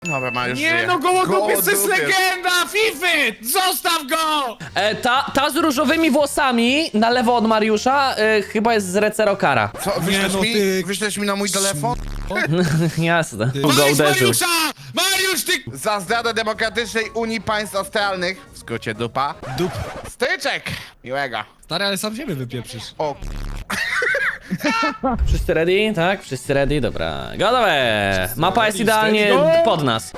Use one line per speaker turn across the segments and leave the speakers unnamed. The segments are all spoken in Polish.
Dobra, ma już
Nie
żyje.
no, gołodupiec to jest
Gołodupiec.
legenda! Fify! Zostaw go!
Ta z różowymi włosami na lewo od Mariusza chyba jest z Recerokara.
Co, wyślesz,
no
mi?
ty-
Wyślesz mi na mój telefon?
Jasne. Go
Weź
uderzył.
Mariusza! Mariusz, ty...
Za zdradę Demokratycznej Unii Państw Australnych, w skrócie dupa,
Dup.
styczek! Miłego.
Stary, ale sam siebie wypieprzysz.
O,
Wszyscy ready? Tak? Wszyscy ready? Dobra. Gotowe! Mapa jest
ready,
idealnie
steady, go!
pod nas.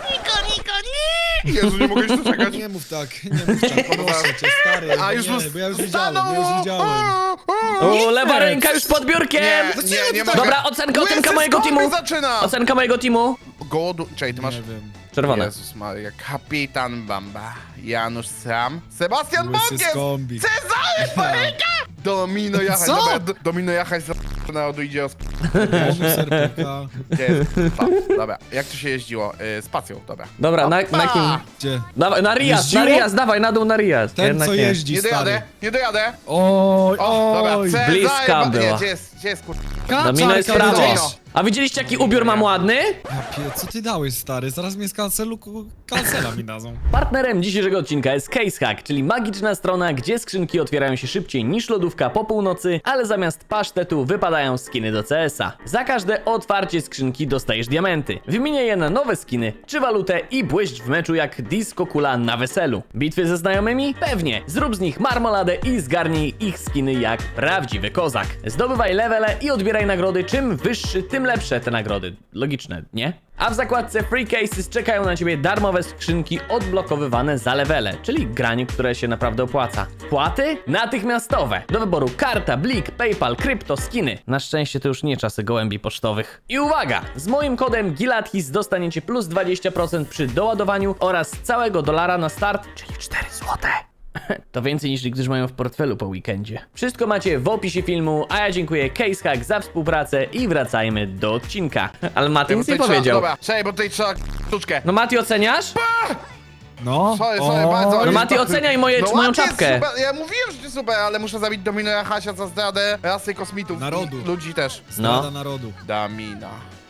Jezu, nie mogę się doczekać.
Nie mów tak, nie mów tak, proszę cię, stary.
A już
nie,
mu
bo ja już widziałem,
stanął!
ja już widziałem.
O, lewa ręka już pod biurkiem!
Nie mogę.
Dobra, ocenka
Łysy
mojego
skąd
teamu!
zaczyna!
Ocenka mojego teamu!
Gołodu... Czekaj, ty masz...
Nie wiem.
Czerwone.
Jezus Maria, Kapitan Bamba, Janusz Sam, Sebastian
Łysy
Bąkies,
skąbi.
Cezary Paryka, Domino Jachać,
Co?
dobra, Domino Jachać z narodu idzie o
Bonus RPK.
Dobra, jak to się jeździło? Spacją, dobra.
Dobra, na kim?
Gdzie?
Dawaj, na Riaz,
Jeździło?
dawaj, na dół na Riaz.
Ten,
Jednak
co
nie.
jeździ,
Nie dojadę,
stary.
nie dojadę.
Oj,
O, dobra,
oj.
Cezary,
bliska była.
Nie, gdzie jest kur...
Domino jest w prawo.
Domino.
A widzieliście jaki ubiór mam ładny?
Co ty dałeś, stary? Zaraz mnie z kancela mi dadzą.
Partnerem dzisiejszego odcinka jest CaseHack, czyli magiczna strona, gdzie skrzynki otwierają się szybciej niż lodówka po północy, ale zamiast pasztetu wypadają skiny do CS-a. Za każde otwarcie skrzynki dostajesz diamenty. Wymieniaj je na nowe skiny czy walutę i błyszcz w meczu jak disco kula na weselu. Bitwy ze znajomymi? Pewnie. Zrób z nich marmoladę i zgarnij ich skiny jak prawdziwy kozak. Zdobywaj levele i odbieraj nagrody. Czym wyższy, tym lepsze te nagrody. Logiczne, nie? A w zakładce Free Cases czekają na ciebie darmowe skrzynki odblokowywane za levele, czyli granie, które się naprawdę opłaca. Wpłaty? Natychmiastowe. Do wyboru karta, blik, PayPal, krypto, skiny. Na szczęście to już nie czasy gołębi pocztowych. I uwaga! Z moim kodem GILATHIS dostaniecie plus 20% przy doładowaniu oraz całego dolara na start, czyli 4 złote. To więcej niż niektórzy mają w portfelu po weekendzie. Wszystko macie w opisie filmu, a ja dziękuję CaseHack za współpracę i wracajmy do odcinka. Ale Mati nic nie powiedział.
Dobra, czekaj, bo tutaj trzeba sztuczkę.
No Mati, oceniasz?
No.
Sorry, bardzo.
No Mati, oceniaj moją
ładnie,
czapkę.
Super. Ja mówiłem, że to super, ale muszę zabić Domino Jachasia za zdradę rasy kosmitów.
Narodu.
I ludzi też.
Strada narodu.
Damina.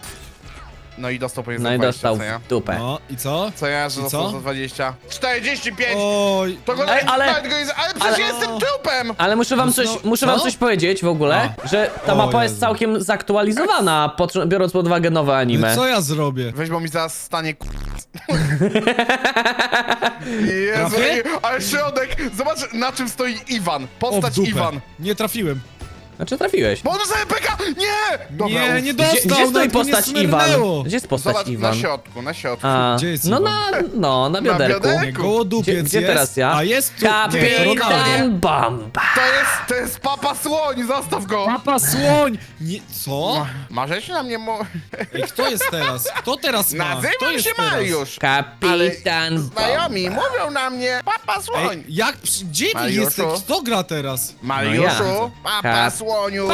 No i dostał powiedzmy
No i
20,
dostał
co ja?
w dupę.
No, i co?
Co ja, że
I
dostał
co?
za 20? 45!
Oj.
To go
Ej, ale-
ale przecież
ale-
jestem trupem!
Ale muszę wam
No, co?
coś powiedzieć w ogóle, że ta
O
mapa jest
Jezu.
całkiem zaktualizowana, biorąc pod uwagę nowe anime.
No co ja zrobię?
Weź, bo mi zaraz stanie Jezu,
Trafię?
ale środek! Zobacz, na czym stoi Iwan.
O, w
Postać
dupę.
Iwan.
Nie trafiłem.
Znaczy trafiłeś.
Bonus MPK! Nie! Dobra,
Nie,
uf.
nie
Gdzie
dostał,
stoi
nawet go nie
postać Iwan?
smyrnęło.
Gdzie jest postać
Zobacz,
Iwan?
na środku.
A,
Gdzie jest
no
Iwan?
na bioderku.
bioderku.
Nie, gołodupiec
Gdzie
jest.
teraz ja?
A jest tu. Nie, to Ronaldo.
Kapitan Bamba.
To jest Papa Słoń, zostaw go!
Papa słoń! Nie, co?
Marzeć na mnie
Ej, kto jest teraz? Kto teraz ma? Kto
Nazywam
jest
się
teraz?
Mariusz!
Kapitan
Znajomi
Bamba.
mówią na mnie Papa Słoń!
Ej, jak? Gdzie wy
Mariuszu?
jesteś? Kto gra teraz?
Mariuszu,
No ja.
Papa Słoniu!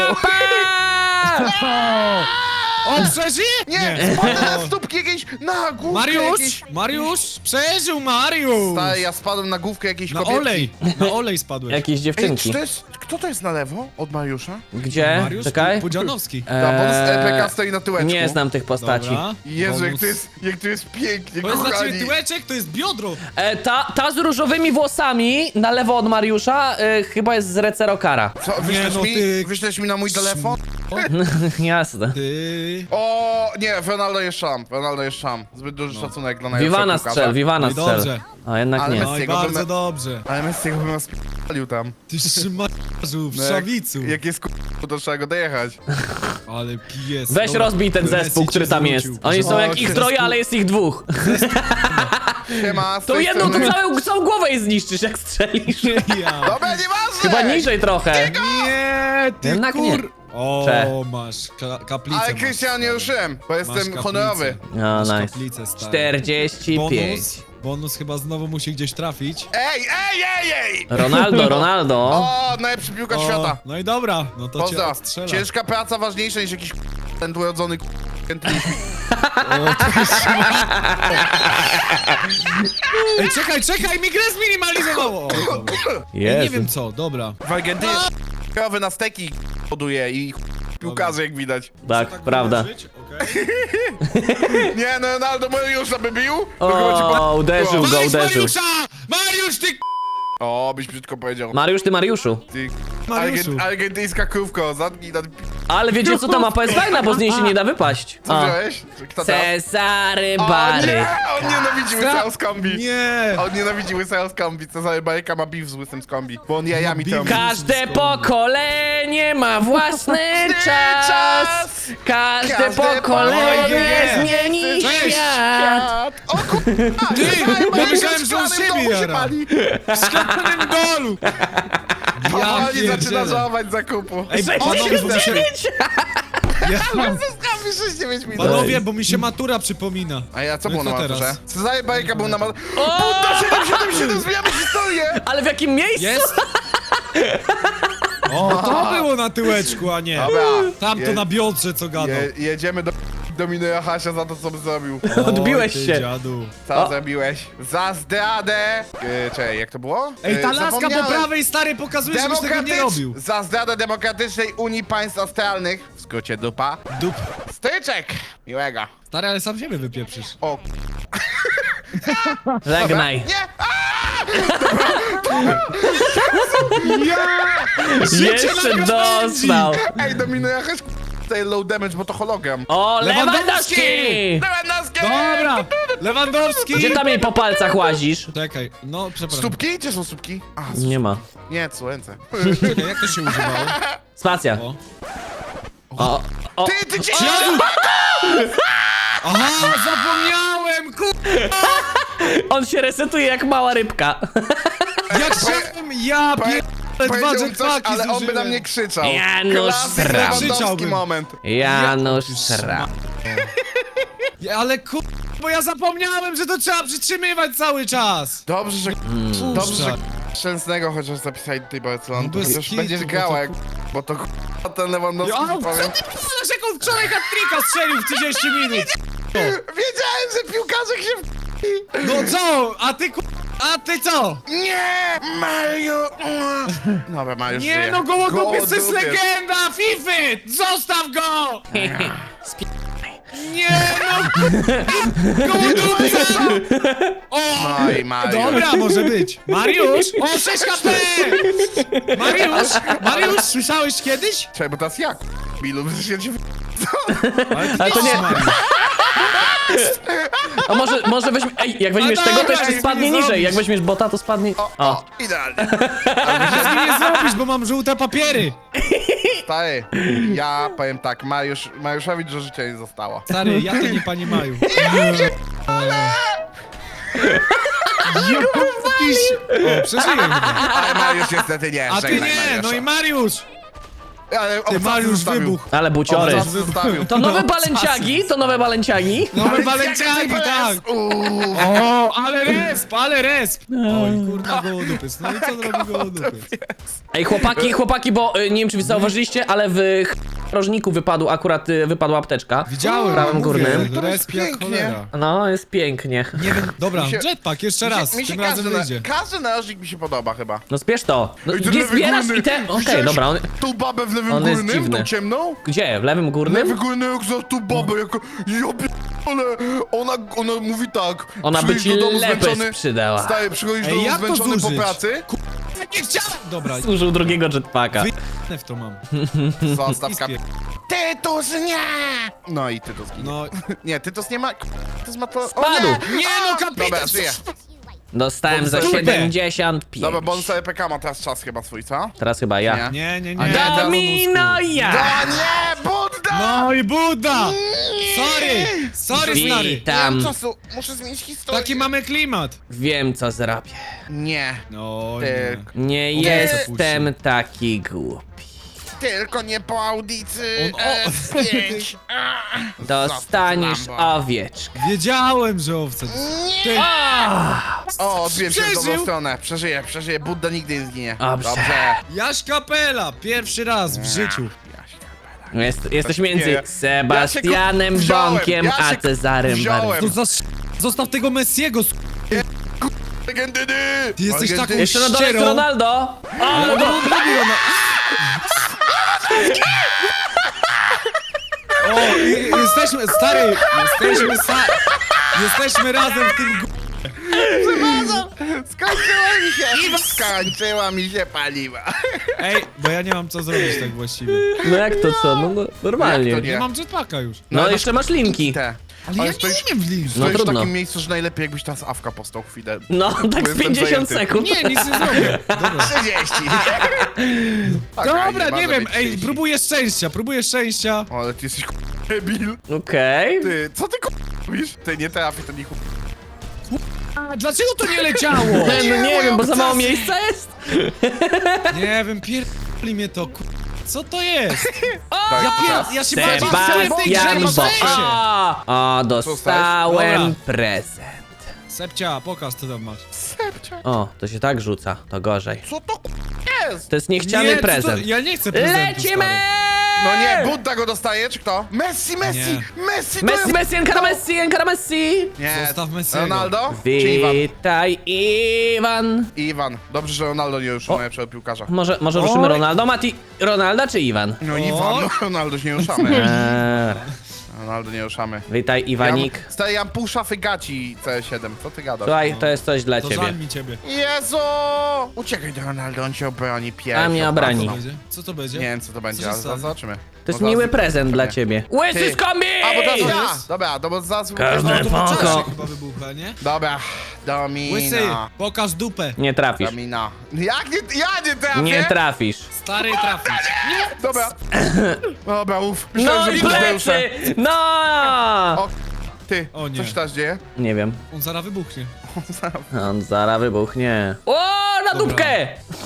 On przeżyje?
Nie, spadł na stópki jakiejś, na główkę
Mariusz!
jakiejś...
Mariusz! Przeżył Mariusz!
Stary, ja spadłem na główkę jakiejś
Na
kobietki.
olej! Na olej spadłeś.
Jakieś
Ej,
dziewczynki.
czy to jest... Kto to jest na lewo od Mariusza?
Gdzie?
Mariusz
Czekaj.
Pudzianowski.
Ta bonus EPK stoi na tyłeczku.
Nie znam tych postaci.
Dobra.
Jezu,
Bonus.
jak to jest pięknie,
To jest dla ciebie
kochani.
tyłeczek, to jest biodro!
Ta z różowymi włosami na lewo od Mariusza chyba jest z Recerokara.
Co, wyślesz,
no
mi,
ty-
wyślesz mi na mój telefon?
Jasne.
Ty...
O, nie, Ronaldo jest szam, Ronaldo jest szam. Zbyt duży szacunek dla najlepszego
Wiwana
piłkarza.
strzel, Wiwana
No i
strzel.
dobrze.
A jednak
Ale
nie.
Messi-
No i
Jego
bardzo
bym-
dobrze.
Ale Messi go bym spalił tam.
Ty szmaciarzu, w
No
szawicu.
Jak jest to trzeba go dojechać.
Ale pies.
Weź
Dobra,
rozbij ten
Messi
zespół,
cię
który tam jest.
zwrócił.
Oni są
O,
jak ich
się
troje, ale jest ich dwóch.
Siema, z
To
tej
jedną, to
strony-
całą głowę jej zniszczysz, jak strzelisz.
Ja.
Dobra, nieważne!
Chyba niżej trochę.
Nie, ty
Jednak nie.
kur... O,
Cze.
masz kaplicę.
Ale
masz.
Krystian nie ruszyłem, bo
Masz
jestem
kaplicę.
honorowy.
No,
Masz
nice.
kaplicę, stary.
45.
Bonus chyba znowu musi gdzieś trafić.
Ej!
Ronaldo.
O, najlepszy piłkarz świata.
No i dobra, no to cię
Pozdro.
odstrzela.
Ciężka praca ważniejsza niż jakiś ten urodzony
Ej, czekaj, mi grę zminimalizowało! O, dobra. Ej, nie
Jezu.
wiem co, dobra.
W Argentynie krowy na steki hoduje i piłkarze, jak widać.
Tak, prawda.
uderzyć? Okej.
Nie, no Ronaldo Mariusza by bił? To chyba ci
O, uderzył go,
Weź
uderzył.
Mariusza! Mariusz, ty
O, byś brzydko powiedział.
Mariusz, ty Mariuszu.
Ty
Mariuszu.
argentyńska krówko, zamknij na...
Ale wiecie co, ta mapa jest fajna, bo z niej się nie da wypaść.
Co
O.
wziąłeś? Kto tam?
Cezary
O
Bary.
nie, on nienawidzi łysego z kombi.
Nie!
On nienawidzi łysego z kombi. Cezary Baryka ma beef z łysym z kombi. Bo on jajami
beef.
tam...
Każde pokolenie ma własny czas. Każde pokolenie zmieni
Cześć.
świat.
O kurwa!
Ty,
Cezary Baryka
myślałem,
w
że on
szklanym
siebie
domu się
jara.
pali.
W szklanym golu!
Powoli zaczyna
pierdzielę.
żałować zakupu.
Ej, panowie, bo mi się... Ja mam...
Łysy z kombi 6-9 minut.
Panowie, bo mi się matura przypomina.
A ja co
No i
było na
co
maturze?
teraz?
Cezary Baryka był na maturze. Buda 777, zmieniamy historię!
Ale w jakim miejscu?
Jest? O, to było na tyłeczku, a nie.
Dobra.
Tamto na biodrze, co gadał.
Jedziemy do Dominuje Hasia za to, co zrobił.
Odbiłeś
Oj, ty
się.
Dziadu.
Co
O.
zrobiłeś? Za zdradę! Czekaj, jak to było?
Ej, ta laska po
Zapomniałem.
prawej, stary, pokazuje, żebyś tego nie robił.
Za zdradę Demokratycznej Unii Państw Australnych, w skrócie dupa,
Dup.
styczek! Miłego.
Stary, ale sam siebie wypieprzysz.
O,
Żegnaj.
nie!
Jeszcze dostał.
Ej, Dominuje Hasia, tutaj low damage, bo to hologram.
O,
Lewandowski!
Lewandowski!
Lewandowski!
Dobra! Lewandowski!
Gdzie tam jej po palcach łazisz?
Czekaj, no przepraszam.
Stópki? Gdzie są stópki? A,
Nie ma.
nie, co ręce.
Czekaj, jak to się używało?
Spacja.
O.
O,
Ty cię...
Aha, zapomniałem,
on się resetuje jak mała rybka.
Jak chciałem, ja pierdolę, dwa
Powiedział coś,
jetpacki
ale on by na
zużyłem.
mnie krzyczał.
Janusz
Klasyk
Stram.
Lewandowski
Krzyczałbym.
moment.
Janusz Szram.
Ale bo ja zapomniałem, że to trzeba przytrzymywać cały czas.
Dobrze, że... Dobrze, że... Szczęsnego chociaż zapisali tutaj Barcelonę.
No bez
To już
kitu,
będziesz
bo
grała,
to
jak... Bo to ten Lewandowski,
Ja,
powiem...
co ty pierdolasz, jak on wczoraj hat-tricka strzelił w 30 minut?
Wiedziałem, że piłkarze się
No co? A ty co?
Nie! Mario! Dobra, Mario
Nie
żyje.
no, Gołodupiec to jest
Gołodupiec.
legenda! Fify! Zostaw go! Nie no! Gołodupiec! O!
No i Mario.
Dobra, może być. Mariusz! O, 6 HP! Mariusz, słyszałeś kiedyś?
Czekaj, bo teraz jak? Bilu, przecież się...
Ale to nie...
Mariusz.
A może weźmy... Ej, jak weźmiesz
A
tego, to
dobra,
jeszcze
nic
spadnie
nie
niżej.
zrobisz.
Jak weźmiesz bota, to spadnie... O.
Idealnie.
Nic mi nie zrobisz, bo mam żółte papiery.
Stary, ja powiem tak, Mariuszowi dużo życia nie zostało.
Stary, ja to nie pani Maju. O, przeżyłem chyba.
Ale Mariusz niestety nie,
A ty
żegnaj
nie,
Mariusza.
no i Mariusz!
Ale
Ty Mariusz wybuch.
Ale buciory.
Obcas zostawił.
To nowe balenciagi? To nowe balenciagi?
Nowe balenciagi, tak! O, ale resp! Oj, kurna, gołodupiec. No i co zrobi gołodupiec?
Ej, chłopaki, bo nie wiem, czy wy zauważyliście, ale w rożniku wypadła apteczka.
Widziałem,
W prawym górnym.
mówię, resp jak
Pięknie.
cholera.
No, jest pięknie.
Nie wiem, dobra,
Mi się-
jetpack, jeszcze raz,
Mi się
tym razem wyjdzie.
każdy narożnik mi się podoba chyba.
No spiesz to. No,
Ej, ten
gdzie
lewy
zbierasz
górny.
i te... Okej,
Widziałeś
dobra.
Tą babę w lewym
On jest
górnym,
dziwny.
tą ciemną?
Gdzie? W lewym
Lewy
górnym?
górny, jak za tą babę, jako... Ja pierdolę, ona mówi tak.
Ona by
przyjdź
ci
do domu
lepę
zmęczony.
sprzedała.
Stary, przychodzisz do
Ej,
domu
jak to
zmęczony po
zużyć?
pracy.
Nie chciałem! Dobra,
Użył drugiego jetpacka.
wyjdę w to mam.
Zostaw
Ispie.
Tytus nie! No i Tytus ginie.
No,
Nie, Tytus nie ma... Tytus ma to... O
Spadł.
nie!
nie no, kapitan!
Dobra, żyje.
Dostałem za
Kurde.
75.
Dobra, bo on sobie PK ma teraz czas chyba swój, co?
Teraz chyba ja.
Nie, nie,
A
nie.
nie,
Domino ja!
A nie, Budda!
No i Buddha! Sorry, stary.
Nie
Witam.
mam czasu, muszę zmienić historię.
Taki mamy klimat.
Wiem, co zrobię.
Nie,
No
Ty-
Nie
On
jestem taki głupi.
tylko nie po audycji
On- o-
S5.
Dostaniesz
Zostaw Lambo.
owieczkę.
Wiedziałem, że owce. Ty,
O, odbiłem się w dobrą
Przeżył.
stronę. Przeżyję. Budda nigdy nie zginie.
Dobrze.
Jaś Kapela, pierwszy raz w życiu.
Jesteś między
Nie.
Sebastianem
Ja się wziąłem,
Bąkiem
ja
a
się
Cezarym
wziąłem.
Barwą.
To zostaw tego Messiego,
Legendyny!
Ty jesteś taką
Jeszcze na dole jest
ścierą.
Ronaldo.
Ale on robi, O, jesteśmy, stary, jesteśmy razem w tym
Skończyła mi się paliwa.
Ej, bo ja nie mam co zrobić tak właściwie.
No jak to co? No normalnie.
Jak to
Nie mam jetpacka już.
No jeszcze masz linki.
Te.
Ale ja nie
stoisz-
umiem w links.
No
Stoisz w
trudno.
takim miejscu, że najlepiej jakbyś teraz awka postał chwilę.
No, tak z
Jestem
50
zajęty.
sekund.
Nie, nic nie zrobię. Dobra.
30.
Dobra, nie wiem, ej, próbuję szczęścia.
O, ale ty jesteś debil.
Okej.
Ty, co ty robisz? Ty nie trafisz, to nie
A, dlaczego to nie leciało?
No nie wiem, bo za mało
obcasy.
miejsca jest.
Nie wiem, pierdoli mnie to, co to jest?
Tak,
Ja się bardziej w tej grze
Sebastian
niż w
Bo.
sensie.
O, dostałem
Dobra.
prezent.
Sepcia, pokaż co tam masz.
Sepcia.
O, to się tak rzuca, to gorzej.
Co to jest?
To jest niechciany
Nie, co
prezent.
To, ja nie chcę prezentu,
Lecimy!
No nie, Budda go dostaje, czy kto? Messi! Messi! to
Messi,
jest-
Messi, Encara Messi, Encara Messi!
Nie,
Zostaw Messiego.
Ronaldo? Czy Iwan?
Witaj, Iwan.
Iwan. Dobrze, że Ronaldo nie uszanuje najlepszego piłkarza.
Może ruszymy Ronaldo? Mati, Ronalda czy Iwan?
No
O.
Iwan, no Ronaldo nie ruszamy.
Eee,
Ronaldo nie ruszamy.
witaj, Iwanik.
Stary, ja mam pół szafy gaci C7. Co ty gadasz?
Słuchaj, to jest coś dla
To
ciebie.
żal mi ciebie.
Jezu! Uciekaj do Ronaldo, on cię obroni pierwszy.
A mnie obroni.
Co to będzie? Co to będzie?
Nie wiem, co to będzie,
się
ale
stanie?
zobaczymy.
To jest miły prezent dla ciebie. Łysy
Ty.
z kombi!
A, bo teraz
Co
ja!
jest?
Dobra, no bo zaraz...
Każdy
No to po
Poko.
czasie chyba wybucha, nie?
Dobra,
Łysy,
Domina.
pokaż dupę.
Nie trafisz.
Domina. Jak nie... Ja nie trafię!
Nie trafisz.
Stary trafisz.
Dobra. Dobra, uff.
No
Myślałem,
i
że
plecy! No!
O, ty,
O nie.
co się teraz dzieje?
Nie wiem.
On zaraz wybuchnie.
On zaraz wybuchnie. O, na
Dobra.
dupkę!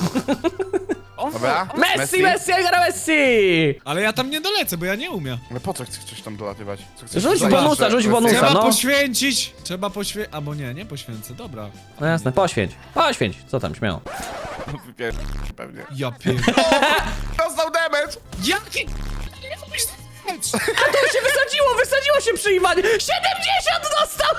Dobra.
Messi, Messi, Encara Messi!
Ale ja tam nie dolecę, bo ja nie umiem.
Ale po co chcesz tam dolatywać? Co chcesz
Rzuć
zająć,
bonusa,
że-
rzuć
że-
bonusa.
Trzeba
no.
poświęcić. Trzeba poświęcić. Albo nie poświęcę, dobra.
No jasne, poświęć. Poświęć. Co tam, śmiało.
Pewnie.
Ja pier...
Dostał damage!
Jaki...
To się wysadziło się przy Iwanie! 70 dostał!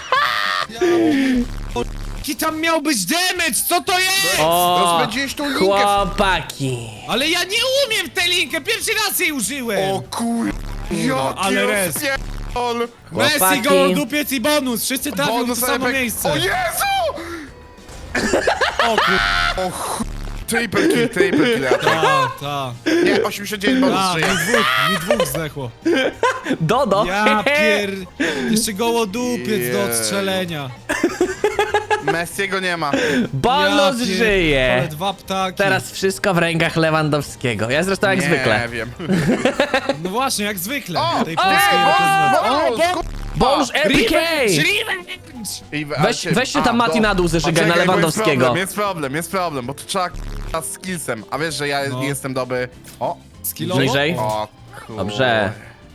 Jaki tam miał być damage? Co to jest?
O,
Rozpędziłeś tą linkę.
chłopaki.
Ale ja nie umiem w tę linkę, pierwszy raz jej użyłem.
O kur... Jaki
ale res.
rozpierdol.
Messi,
chłopaki.
gołodupiec i bonus. Wszyscy trafią w to
Bonus
samo
efekt.
miejsce.
O Jezu!
O kur...
O ch... Triple kill, ja tak.
Ta.
Nie, 89 bonus
A,
żyje.
mi dwóch zdechło.
Dodo.
Ja pier... Jeszcze gołodupiec do
Jej.
odstrzelenia.
Messiego nie ma.
Bonus
Ja pier-
żyje.
Ale dwa ptaki.
Teraz wszystko w rękach Lewandowskiego. Ja zresztą jak
nie
zwykle.
wiem.
No właśnie, jak zwykle.
O!
Tej
O!
polskiej reprezentacji.
Bonus!
Bonus RPK!
Revenge!
Weź się tam Mati na dół zeżygaj na Lewandowskiego.
Jest problem, bo to trzeba k***a z skillsem. A wiesz, że ja
No.
nie jestem dobry. O!
Skillowo?
Bliżej.
O kur...
Dobrze.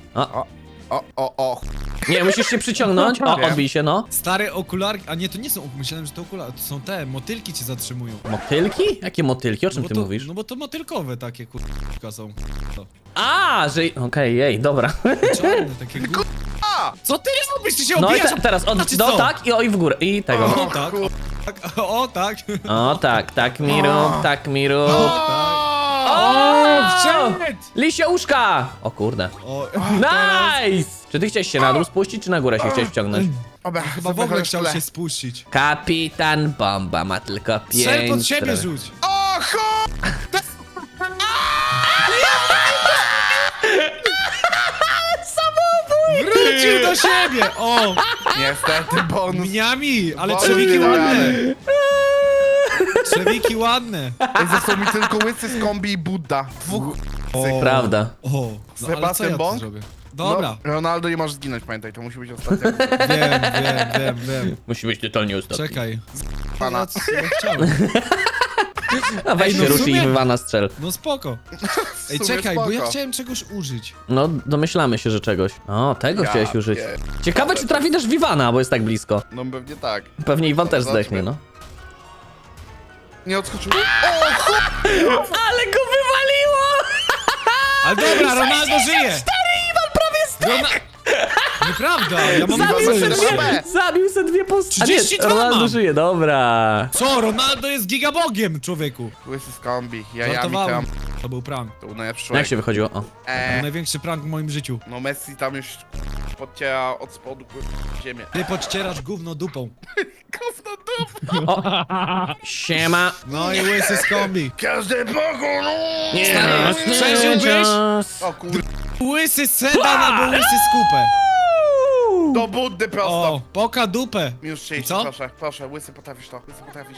O.
Nie, musisz się przyciągnąć. O,
Wiem.
odbij się, no.
Stare okularki, a nie, to nie są, myślałem, że to okulary, to są te, motylki cię zatrzymują.
Motylki? Jakie motylki? O czym
Bo
ty
to,
mówisz?
No bo to motylkowe takie kurwa są. To.
A, że... Okej, jej, dobra.
Czarne takie
A!
Co ty robisz? Ty się
No i
obijasz?
teraz
Znaczy
no
co?
tak i w górę. I tego.
O tak, o tak.
O tak, tak mi rób, tak mi rób.
O, wszedł!
Lisie uszka! O kurde.
O,
Nice! Czy ty chciałeś się na dół spuścić, czy na górę się chciałeś wciągnąć?
Dobra,
chyba w ogóle chciał się spuścić.
Kapitan Bomba ma tylko 5
Strzel pod siebie
stron.
rzuć.
O chu...
Wrócił do siebie! O!
Niestety bonus.
Mniami, ale
Bonus
trzewiki
nie da
ładne.
rady.
Trzewiki ładne.
Został mi tylko łysy z kombi i Budda. Dwóch...
O,
Prawda.
O, no, ale co
Sebastian
ja tu
Bąk?
zrobię? Dobra,
No, Ronaldo nie możesz zginąć, pamiętaj, to musi być ostatnia.
wiem.
Musi być totalnie ostatni.
Czekaj.
Pana.
Ja chciałem.
A weź
Ej, no
się
w
rusz i
sumie-
Iwana strzel.
No spoko. Ej,
W sumie
czekaj, bo ja
spoko.
chciałem czegoś użyć.
No, domyślamy się, że czegoś. O, tego
Ja
chciałeś użyć.
pier-
Ciekawe, czy trafi też w Iwana, bo jest tak blisko.
No pewnie tak.
Pewnie Iwan też
Zobaczmy.
zdechnie, no.
Nie odskoczył. O chu...
Ale go wywaliło!
Ale dobra, Ronaldo żyje!
Iwan prawie zdechł!
Nieprawda, ja mam
Zabił
Zabił
se
se
dwa
dwie.
Zabił se dwie postacie.
32
Ronaldo
mam.
żyje, dobra.
Co? Ronaldo jest gigabogiem, człowieku.
Łysy z kombi, jajami
Żartowałem.
tam.
To był prank.
To był najlepszy
Jak
człowiek.
się wychodziło? O.
To był największy prank w moim życiu.
No Messi tam już podciera od spodu ziemię.
Ty podcierasz gówno dupą.
Gówno dup!
Siema.
No i łysy z kombi.
Każdy pokój, no!
Nie,
przeżyłbyś?
O kur...
Łysy sedan albo łysy skupę.
Do Buddy prosto!
O, poka dupę.
Minus 30,
Co?
proszę, proszę, łysy potrafisz to, łysy potrafisz.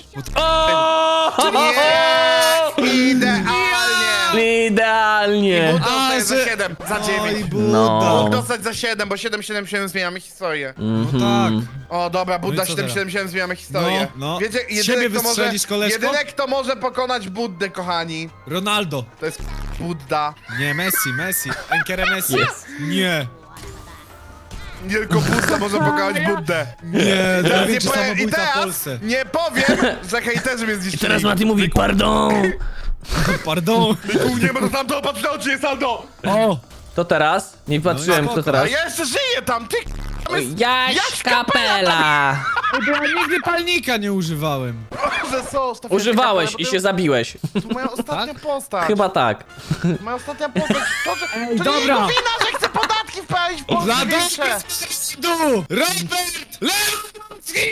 O!
Nie! Idealnie!
Idealnie.
Bóg dostaje za
że-
7, za
Oj,
9.
No.
Bóg
Buda.
dostać za 7, bo 777 zmieniamy historię.
No tak.
O dobra, Budda
No i co
777 zmieniamy historię.
No, no.
Wiecie,
Z siebie
kto może,
wystrzelisz, koleżko?
jedyny kto może pokonać Buddę, kochani,
Ronaldo.
to jest Budda.
Nie, Messi. Enkere Messi.
Yes.
Nie.
Nie tylko Budda może pokonać Buddę.
Nie, to
Teraz
największy
powiem-
samobójca w
teraz
Polsce.
nie powiem, że hejterzy mnie zniszczyli.
Teraz Mati mówi pardon.
Pardon.
Tu nie będę tam to patrz na oczy, jest Aldo!
O,
To teraz? Nie patrzyłem,
spoko.
kto
A
teraz.
ja jeszcze żyję tam, ty
Jaś Kapela.
bo ja nigdy palnika nie używałem.
że są,
Używałeś i się zabiłeś.
To moja ostatnia postać.
Chyba tak.
Moja ostatnia postać. To, że, to
dobra.
nie jego wina, że chce podatki wprawić w Polsce
Dla
większe.
dół! Robert Lewandowski!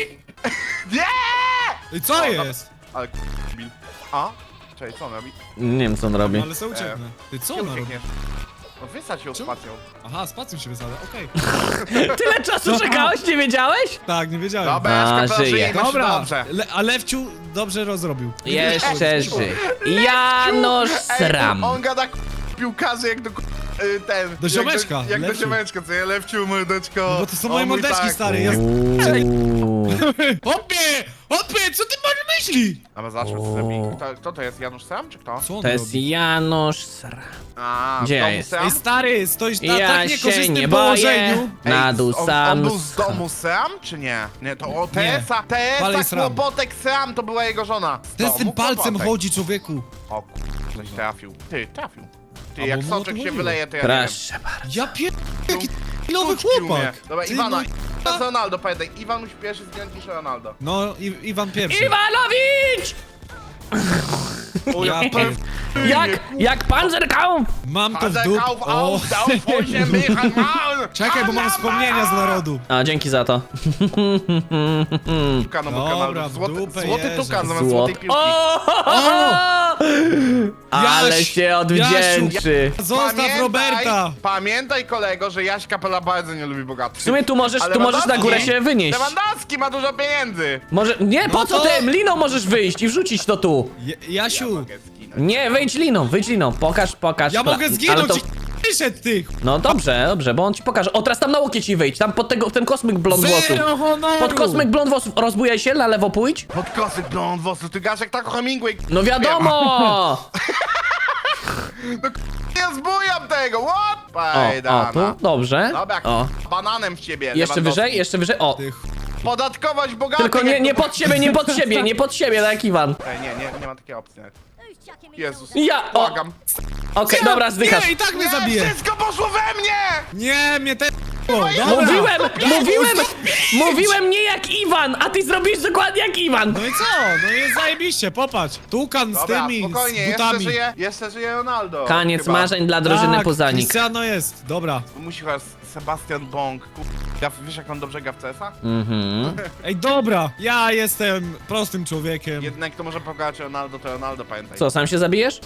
Nie!
I co jest?
Ale Bill. A? Czekaj, co on robi?
Nie wiem, co on robi.
Ale se ucieknę. Ty co ona robi?
Uciekniesz. No wysadź ją
Czemu?
spacją.
Aha, spacją się wysada, okej.
Tyle czasu czekałeś, nie wiedziałeś?
Tak, nie wiedziałem.
Dobra,
A,
Jaśka, proszę,
żyje.
jemy się
Dobra,
dobrze.
a Lewciu dobrze rozrobił.
Jeszcze żyj. Janusz Sram.
On gada piłkarzy jak do ten...
Do ziomeczka,
Jak do
Lewciu.
ziomeczka, co ja Lewciu, mordeczko.
No bo to są moje
On mówi
mordeczki,
tak.
stary. Jest...
Uuu.
Hopie, co ty masz myśli?
A zobaczmy, co zrobi. Kto to jest? Janusz Sam, czy kto?
Co on
To jest
robi?
Janusz Sram.
A,
Gdzie
z domu
jest?
Sam?
Ej, stary, stoisz na
Ja
tak
się
niekorzystnym
nie boję.
położeniu.
Na dół
on
sam.
był z domu Sam, czy nie? Nie, to o Tesa,
Palej
Tesa,
Sram.
Kłopotek Sam, to była jego żona. Z
Ten z tym
domu
palcem
Kłopotek.
chodzi, człowieku.
O coś trafił. Ty, trafił. Ty,
A
jak
bo mu o to
soczek się
chodziło.
wyleje, to ja nie wiem.
Proszę bardzo.
Ja jaki nowy
Tuczki umie.
chłopak.
Dobra,
Ty,
Iwana.
no-
To jest Ronaldo, pamiętaj. Iwan musi pierwszy zginąć niż Ronaldo.
No, Iwan pierwszy.
Iwanowicz!
O,
Ja
jak
pier-
Jak Panzerkampf!
Mam to w
Kauf,
dup...
auf,
O.
auf, 8, Michal, Maul!
Czekaj, bo mam wspomnienia z narodu.
A, dzięki za to.
Tukan obok
Dobra,
Ronaldo.
w
Złoty
dupę
tukan
jeżdżę.
zamiast złotej piłki.
Ale
Jaś,
się odwdzięczy.
Zostaw Roberta.
Pamiętaj, kolego, że Jaś Kapela bardzo nie lubi bogatych.
W sumie tu możesz na
Lewandowski-
górę się wynieść.
Lewandowski ma dużo pieniędzy.
Może, nie, po
No
co
to-
tym? Liną możesz wyjść i wrzucić to tu.
Jasiu,
Mogę zginąć.
Nie, wyjdź liną, pokaż.
ja mogę
Ale
zginąć
to...
i wyszedł ty.
No dobrze, bo on ci pokaże. O, teraz tam na łokieć ci wyjdź, tam pod ten kosmyk blond włosów.
Zero honoru.
Pod kosmyk blond włosów, rozbujaj się, na lewo pójdź.
Podkosy blond włosów, ty gasz jak tak Hemingway.
No wiadomo!
Nie zbujam tego, what?
O,
Pajdana.
tu, dobrze.
Dobra,
O,
bananem w ciebie,
jeszcze wyżej, o.
Ty
Podatkować bogatych.
Tylko
jak
nie
to-
pod siebie, nie pod siebie, tak jak Iwan.
Ej, nie ma takiej opcji nawet. Jezus,
Ja, o,
błagam.
okej, dobra, zdychasz.
Nie, i tak mnie
Nie,
zabije.
wszystko poszło we mnie!
Nie, mnie te... Dobra.
Mówiłem nie jak Iwan, a ty zrobisz dokładnie jak Iwan.
No i co? No jest zajebiście, popatrz. Tukan z
Dobra,
tymi,
spokojnie,
z butami.
jeszcze żyje Ronaldo.
Koniec
chyba.
marzeń dla drużyny
Tak,
Puzanik.
Cristiano jest, dobra.
Musi chyba Sebastian Bąk. Wiesz jak on dobrze gra w CS-a?
Mhm.
Ej, dobra, ja jestem prostym człowiekiem.
Jedynek kto może pokonać Ronaldo to Ronaldo, pamiętaj.
Co, sam się zabijesz?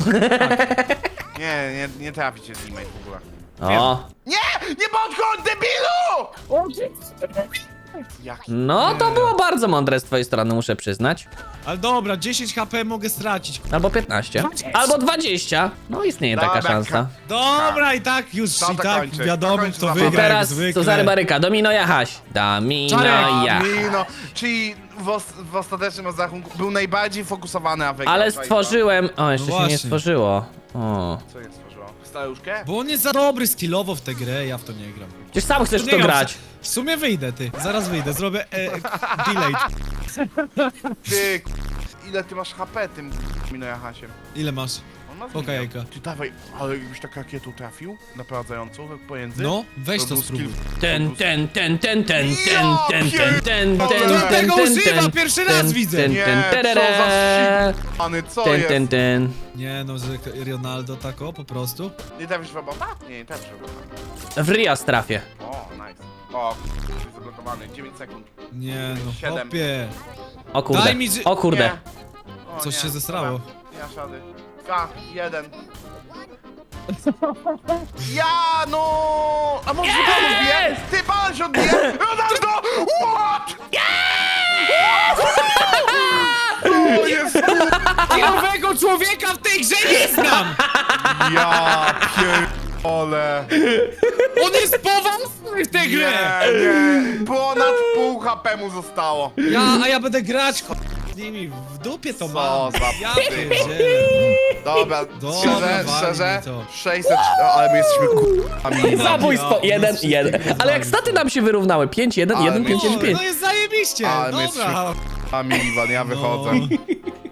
Nie trafi cię teammate w ogóle.
O,
Nie podchodź, debilu! Jaki?
no to było bardzo mądre z twojej strony, muszę przyznać.
Ale dobra, 10 HP mogę stracić.
Albo 15. Albo 20. No istnieje taka
Dobra,
szansa.
Dobra, i tak już,
To
i
to
tak
kończy,
wiadomo,
to kończy
kto
zabawa.
I
wygra jak
teraz
zwykle.
Cezary Baryka, Domino Jachaś. Domino
Czarek,
Jachaś.
No, czyli w ostatecznym rozrachunku był najbardziej fokusowany, a wygrał.
Ale
Czajka.
stworzyłem... O, jeszcze
No
się nie
właśnie.
stworzyło. O.
Co jest stworzyło? Staruszkę?
Bo on jest za dobry skillowo w tę grę, ja w to nie gram.
Przecież sam chcesz w to
Nie,
grać.
W sumie wyjdę, ty. Zaraz wyjdę, zrobię delay.
Ty, ile ty masz HP tym Mino Jachasiem?
Ile masz?
On ma
Poka jajka.
Ty dawaj, ale jakbyś tak rakietą trafił, naprowadzającą tak pomiędzy.
No, weź to
był
spróbuj.
Ten.
To
tego używa, pierwszy raz widzę.
Nie, co za Pany, co jest?
Nie no, że Ronaldo tako po prostu.
Nie trafisz w robota? Nie trafisz w robota.
W Rias trafię.
O, nice. O, jest zablokowany, 9 sekund.
Nie no,
7.
hopie.
O kurde,
Daj mi
o kurde.
Nie. O,
Coś
nie.
się zesrało.
Dobra, nie masz rady. 2, 1. Ja no! A może
Jest!
pan odbije? Ty pan się odbije? Ronaldo! What? To jest
Nowego człowieka w tej grze nie znam!
ja pierdolę.
On jest poważny w tej
Nie,
grze!
nie. Ponad pół HP mu zostało.
A ja będę grać z nimi, w dupie to
Co
mam.
za
Ja
psy.
pierdzielę.
Dobra,
Dobra,
szczerze,
wali
szczerze,
mi to.
600, ale my jesteśmy k***ami.
Zabójstwo,
Ja,
1,
wszystkie
1.
rozwalił.
Ale jak staty nam się wyrównały, 5, 1,
Ale
1,
my
5, 1,
O,
5.
no jest zajebiście,
Ale my
dobra.
jesteśmy k***ami, Iwan, ja wychodzę.
No.